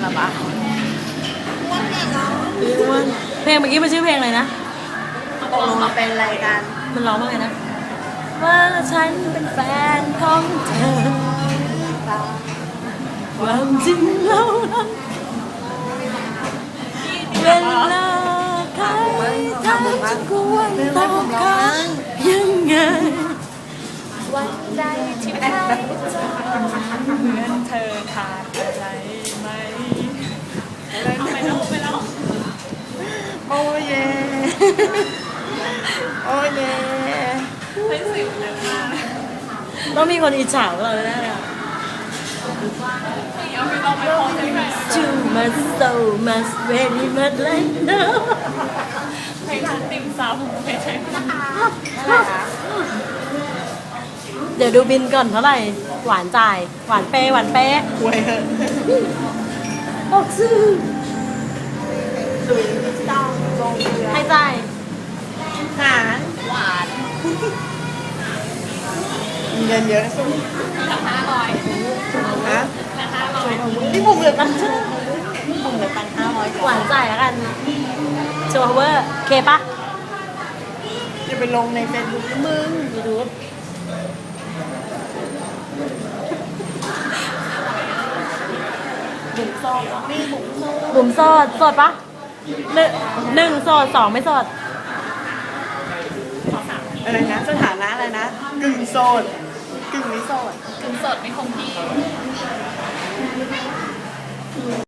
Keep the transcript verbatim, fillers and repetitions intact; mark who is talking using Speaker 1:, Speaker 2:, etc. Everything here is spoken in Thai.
Speaker 1: หรอปะ
Speaker 2: เพลงเมื่อกี้มันชื่อเพลงอะไรนะ
Speaker 1: ตกลงมาเป็นอะไรกัน
Speaker 2: มันร้องว่าไงนะ ว่าฉันเป็นแฟนของเธอความจริงแล้วนะเวลาใครถามจะควรตอบเขายังไงวันใดที่ใครจะเหมือนเธอขาดอะไรไหมไปแล้วไปแล้ว
Speaker 1: โอ้เย่โอ้เย่
Speaker 2: ต้องมีคนอิจฉาเราแน่เลย Too much so much very much like no
Speaker 3: เพลงร้านติ่มซำเพลงใช้
Speaker 2: เดี๋ยวดูบินก่อนเท่าไหร่ หวานจ่าย หวานเป๊ะหวานเป๊ะ
Speaker 1: คุยเหอะ
Speaker 2: ออกซื้อ
Speaker 1: สุยต้องลงเรือ
Speaker 2: ให้จ่าย
Speaker 1: หารหวานเงินเยอะสุด
Speaker 3: ห้าร้อย
Speaker 1: ฮะ
Speaker 3: ห้าร้อย
Speaker 1: นี่ผมเหลือตังค์ผมเหลือตังค์ห้าร้อย
Speaker 2: หวานจ่ายแล้วกันโชว์เวอร์เคปะ
Speaker 1: จะไปลงในเฟซบุ๊กมึง
Speaker 2: ยูทูบบุ๋มโสดโสดปะหนึ่งหนึ่งโสดสองไม่โสด
Speaker 1: อะไรนะสถานะอะไรนะกึ่งโสดกึ่งไม่โสด
Speaker 3: ถึงสดไม่คงที่